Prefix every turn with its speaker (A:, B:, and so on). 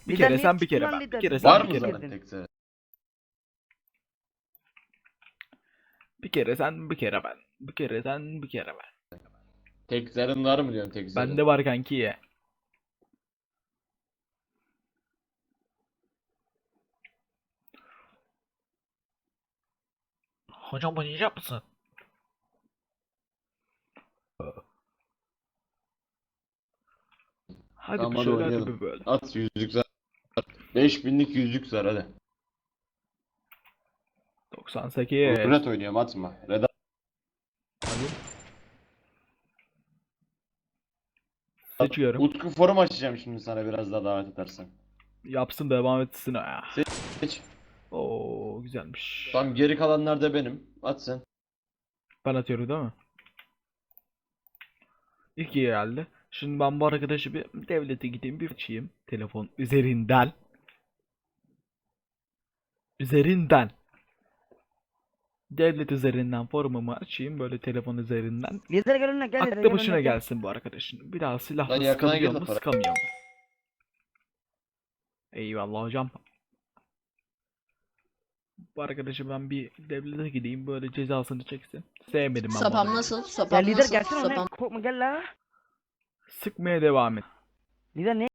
A: Bir
B: Lider
A: kere
B: niye
A: sen, bir
B: çıktın
A: kere
B: lan
A: ben. Bir
B: lider?
A: kere
B: Niye
A: sen,
C: Var
A: bir
C: mı
A: kere ben.
C: zaten tek sıra?
A: Bir kere sen, bir kere ben. Bir kere sen, bir kere ben.
C: Tek zarın var mı diyorum tek zarın.
A: Bende var kanki ye. Hocam oynayacak mısın? Hadi
C: Tamam
A: bir
C: hadi
A: şöyle, hadi
C: oynayalım.
A: bir böyle.
C: At yüzlük zar. 5000'lik yüzlük zar hadi.
A: 98.
C: Red oynuyorum atma. Red
A: Hadi. Seçiyorum.
C: Utku forum açacağım şimdi sana biraz daha davet edersen.
A: Yapsın, devam etsin ya.
C: Seç.
A: Oo, güzelmiş.
C: Tam geri kalanlar da benim. At sen.
A: Ben atıyorum değil mi? İlk iyi geldi. Şimdi ben bu arkadaşı bir devlete gideyim, bir açayım. Telefon üzerinden. Üzerinden. Devlet üzerinden forumumu açayım böyle telefon üzerinden.
B: Lider gel önüne gel lider
A: Aklı
B: gel
A: başına
B: önüne gel.
A: gelsin bu arkadaşın. Bir daha
C: Lan
A: silahla
C: yakına
A: sıkabiliyor
C: gel
A: mu,
C: de para.
A: sıkamıyor mu? Eyvallah hocam. Bu arkadaşı ben bir devlete gideyim, böyle cezasını çeksin. Sevmedim ben
D: Sapam
A: bunu.
D: nasıl?
B: Ya
D: Sapam
B: lider
D: nasıl?
B: gelsene önüne
D: Sapam.
B: korkma gel la.
A: Sıkmaya devam et.
B: Lider ne